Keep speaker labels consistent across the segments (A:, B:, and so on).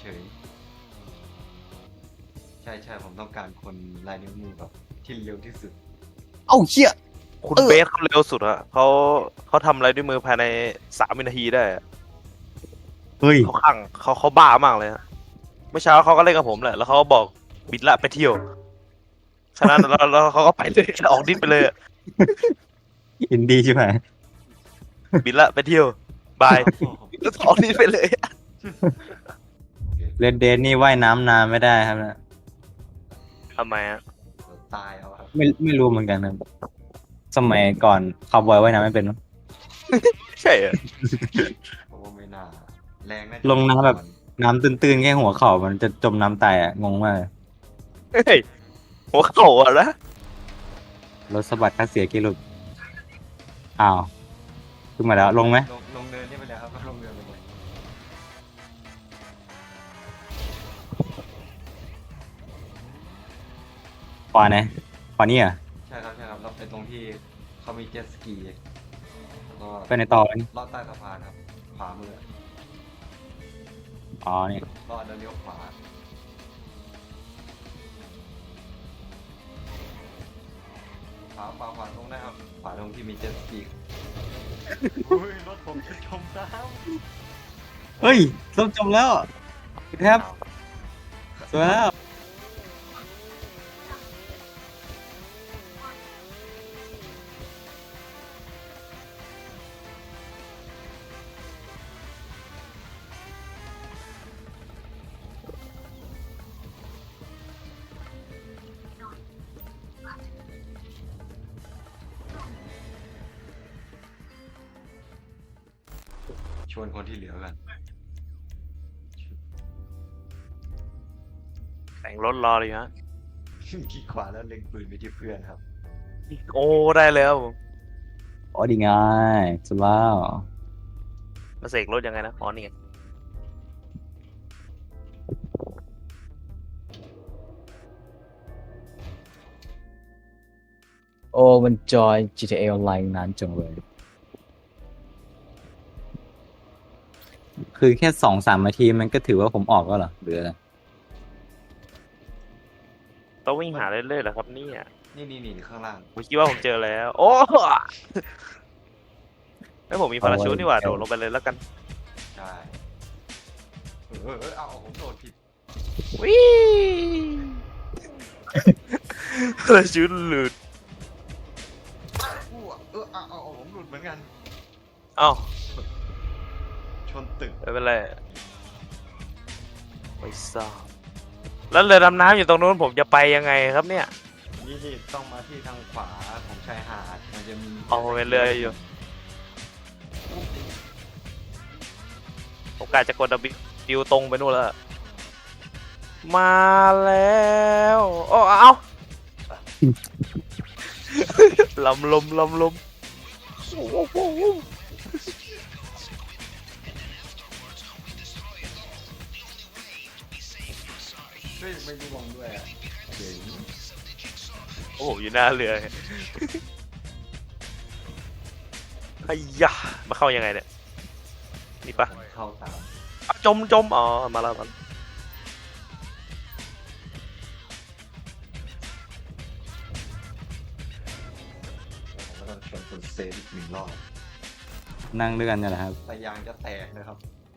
A: เฉยๆใช่ผมต้องการคนลายนิ้วมือแบบที่เร็วที่สุด
B: เอ้าเชี่ย
C: คุณเบสเขาเร็วสุดอะเขาทำอะไรด้วยมือภายใน3 วินาทีได้อะ
B: เฮ้ย
C: เขาขังเขาบ้ามากเลยฮะเมื่อเช้าเขาก็เล่นกับผมแหละแล้วเขาก็บอกบิดละไปเที่ยวฉะนั้นแล้วเขาก็ไปเลยออกดิ้นไปเลยอะ
B: อินดี้ใช่ไหม
C: บิดละไปเที่ยวบายแล้วออกดิ้นไปเลยอะ
B: เรดเดนนี่ว่ายน้ำนานไม่ได้ครับนะ
C: ทำไมอะ
A: ตายเอาครับ
B: ไม่รู้เหมือนกันนะสมัยก่อนคาวบอยว่ายน้ำไม่เป็นมั้ง
C: ใช่อะ
A: เพราะว่าไม่น่าแรงน่าจะ
B: ลงน้ำแบบ น้ำตื้นๆแค่หัวเข่ามันจะจมน้ำตายอ่ะงงมากเลย
C: เฮ้ยหัวเข่าอะนะ
B: รถสะบัดคัดเสียกี่ลูกอ้าวขึ้นมาแล้วลงไหม
A: ลงเนินนี่ไปเลยครับลงเนินไปเลย
B: ขวาไหนขวานี่อ่ะ
A: ใช่ครับเราไปตรงที่เขามีเจ็ตสกีแล้วก็
B: ไปในต่อนี่
A: ลอดใต้สะพานครับขวามือ
B: อ๋อนี่
A: ลอดแล้วเลี้ยวขวาขวาตรงได้ครับขวาตรงที่มีเจ็ตสกีอุ้ยรถผมจะจมน้
B: เฮ้ยส้มจมแล้วแทบ
A: ำ
B: สวยแล้ว
A: ชวนคนที่เหลือกัน
C: แต่งรถรอเลยฮะ
A: ขี้ขวาแล้วเล็งปืนไปที่เพื่อนครับ
C: โอ้ได้แล้ว
B: อ๋อดีง่ายสุดแล้ว
C: มาเสกรถยังไงนะอ๋อนี่ไง
B: โอ้มันจอย GTA Online นานจังเลยคือแค่2-3 นาทีมันก็ถือว่าผมออกแล้วเหรอหรืออะไร
C: ต้องวิ่งหาเรื่อยๆเหรอครับเนี่ย
A: นี่ข้างล่าง
C: ผมคิดว่าผมเจอแล้ว โอ้แล้วผมมีพาราชูทนี่หว่าโดดลงไปเลยแล้วกัน
A: ใช่เอาผมโดดผิด
C: วิพาราชูทหลุด
A: เอาผมหลุดเหมือนกัน
C: เอ้า
A: ชนตึก
C: ไม่เป็นไรไม่ทราบแล้วเรือดำน้ำอยู่ตรงนู้นผมจะไปยังไงครับเนี่ย
A: นี่ต้องมาที่ทางขวาของชายหาดมันจะมี
C: เอาผมเป็นเรืออยู่ผมกะจะกดดิวตรงไปนู่นแล้วมาแล้วโอ้เอา ลำลมโอ้โห
A: เฮ้ยไม่ร่วงด้วยอะเจ๋ง
C: โอ้โหอยู่หน้าเรือไอ้ยะมาเข้ายังไงเนี่ยนี่ปะ
A: เข้าตาม
C: อ่ะจมอ๋อมาแล้วมัน
A: ผมก็ต้องชวนคุณเซฟอีก1 รอบ
B: นั่งด้วยกันเนี่ยแหละครับ
A: แต่ยางจะแตกนะครับ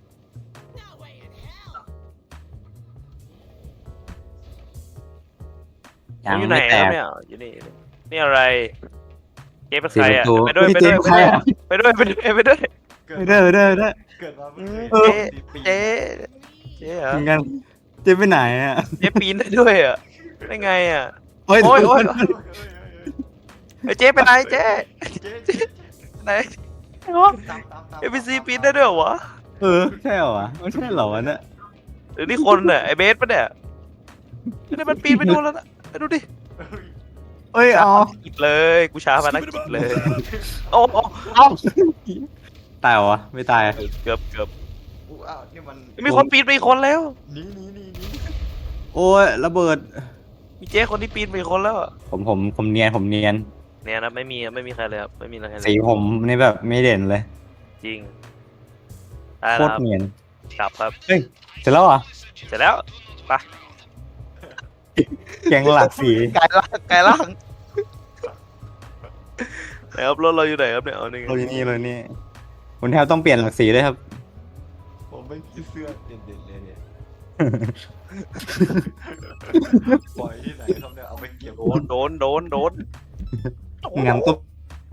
C: ผมอยู่ไหน
B: แต
C: ครับ
B: ก
C: เนี่ยอยู่นี่นี่อะไรเจ๊เป็น
B: สี
C: ใคร
B: ประ
C: อ่ะ
B: ตู
C: ไปด้วย
B: เฮ้ย
C: ไปด้วย
B: เจ๊ใครอะ
C: ไปด้วยไปด้วย
A: เกิด
B: ไม่ได้ไม่ได้ไม่ได้
A: เกิดมาเพิ่ง
C: เจ๊
A: เคยปี
C: เจ๊เจ๊เหรอ
B: เหมือนกันเจ๊ไปไหนอ่ะ
C: เจ๊ปีนได้ด้วยอ่ะได้ไงอ่ะ
B: โอ้ย
C: โอ้ย
A: เฮ้ย
C: เจ๊ไปไหนเจ๊
A: เจ๊
C: ไหนเหรอ
A: ตาม
C: เอพีซีปีนได้ด้วยเหรอวะ
B: ใช่เหรอวะไม่ใช่เหรอวะเนี่ย
C: หรือนี่คนเนี่ยไอเบสปะเนี่ยนี่มันปีนไปดูแล้วนะไปดูดิ
B: เอ้ยเอา
C: กิดเลยกูช้ามานักกิดเลยโอ้โห
B: เอาตายเหรอวะไม่ตาย
C: เกือบ
A: อ้าวนี่มัน
C: มีคนปีนไปอีกคนแล้ว
A: นี่
B: โอ้ยระเบิด
C: มีเจ๊คนที่ปีนไปอีกคนแล้วอะ
B: ผมเนียน
C: เนี่ยนะไม่มีใครเลยครับไม่มีใครเล
B: สี
C: ย
B: ผมนี่แบบไม่เด่นเลย
C: จริงได้
B: โค
C: แล้ว
B: ต
C: ค
B: ร
C: รับ
B: เนียน
C: กลับครับ
B: เฮ้ยเสร็จแล้วเหรอ
C: เสร็จแล้วไป
B: แกงหลักสี
C: ไกลล่างไกลล่างไหนครับรถเราอยู่ไหนครับเนี่ยเอานี่ไง
B: เราอยู่นี่เลยนี่คุณแทบต้องเปลี่ยนหลักสีด้วยครับ
A: ผมไม่มีเสื้อเด่นๆเลยเนี่ยปล่อยที่ไหนครับเนี่ยเอาไปเก็บ
C: โดน
B: งามตุ๊บ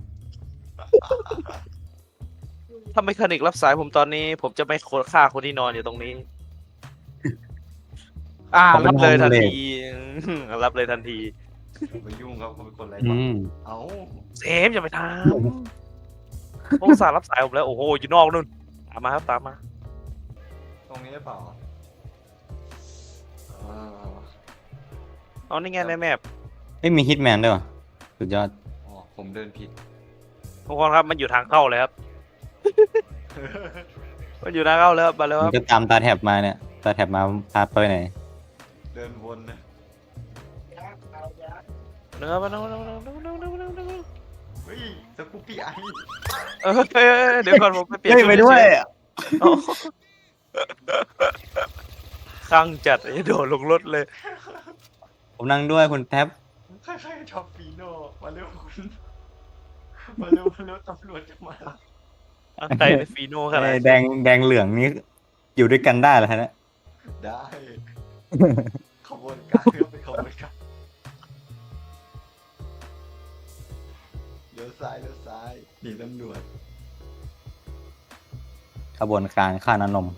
C: ถ้าไม่คานิกรับสายผมตอนนี้ ผมจะไม่ฆ่าคนที่นอนอยู่ตรงนี้ รับเลยทันทีรับเลยทันที
A: ไปยุ่งครับเขาเป็นคนไร้
B: อื
A: บ้าน
B: ม
A: เอ้า
C: เซมอย่าไปทำผมอุตสาห์รับสายผมแล้วโอ้โหอยู่นอกนู่นตามมาครับตามมา
A: ตรงนี้หรือเปล่าอ่า
C: เอานี่ไงในแมพ
B: ไม่มีฮิตแมนด้วยวะสุดยอด
A: อ๋อผมเดินผิด
C: ทุกคนครับมันอยู่ทางเข้าเลยครับ มันอยู่ทางเข้าแล้วครับมาแล้ว
B: มั
C: คน รับ
B: ก็ตามตาแถบมาเนี่ย ตาแถบมาพาไปไหน
A: เดินวนนะ
C: เนื้อมาเนื้อ
A: เฮ้ยสกูปปี้ไอ
C: เดี๋ยวก่อนผมไปเปลี่ยน
B: เฮ้ยไปด้วย
C: อ๋อข้างจัดไอ้โดดลงรถเลย
B: ผมนั่งด้วยคุณแท็บ
A: ใครๆชอบฟีโน่มาเร็วคุณมาเร็วตำรวจจะมา
C: ใครในฟีโน่ขนาด
B: แดงเหลืองนี่อยู่ด้วยกันได้เหรอฮะเนี่ย
A: ได้ขบวนการเพื่อเป็นขบวนการเลี้ยวซ้ายหนีตำรวจ
B: ขบวนการฆ่าน้ำนม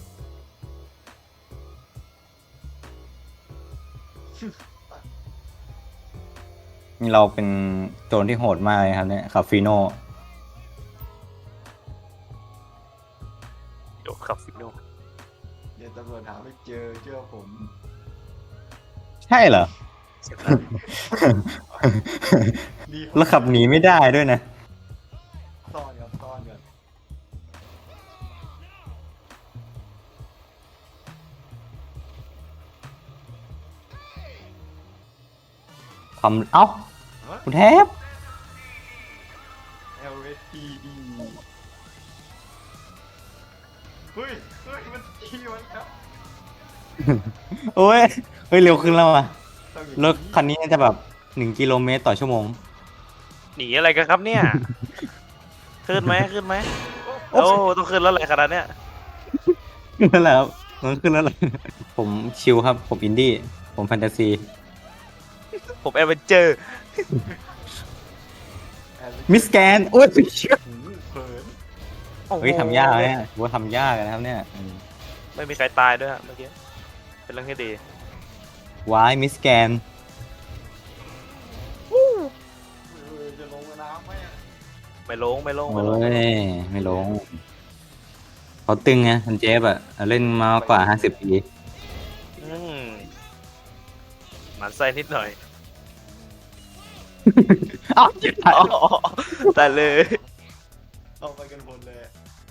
B: นี่เราเป็นโจรที่โหดมากเลยครับเนี่ยคาฟิโน
C: โดดขับฟีโน่
A: เดี๋ยวตำรวจหาไม่เจอเชื่อผม
B: ใช่เหรอ
C: เสร็จแล้ว
A: รีบ
B: แล้วขับหนีไม่ได้ด้วยนะ
A: ซ่อนกัน
B: เอ้า คุณแทบ
A: LSPD เฮ้ยมันขี่มันครับ
B: โอ้ย เฮ้ย เร็วขึ้นแล้วอ่ะ
A: ต้องอย่าง
B: รถคันนี้น่าจะแบบ1 กิโลเมตร/ชั่วโมง
C: หนีอะไรกันครับเนี่ย ขึ้นไหมโอ้ต้องขึ้นแล้วอะไรขนาดเนี้ย
B: นั่นแหละครับมันขึ้นแล้วเลยผมชิลครับ ผมอินดี้ ผมแฟนตาซี
C: ผมแอดเวนเจอร์
B: มิสแกนโอ้ย
A: หูเผิน
B: เฮ้ยทำยากเนี่ยว่าทำยากนะครับเนี่ย
C: ไม่มีใครตายด้วยฮะเมื่อกี้เป็นเรื่องที่ดี
B: วายมิสแกน
A: จะลงน้ำไหมอะ
C: ไม่ลง
B: โอ้ย ไม่ลง เขาตึงไงคุณเจฟอะเล่นมากว่า50 ปี
C: หมันไส้นิดหน่อย
B: อ้าวเจ็บ
C: แต่เลย
A: เอาไปกันหมดเลย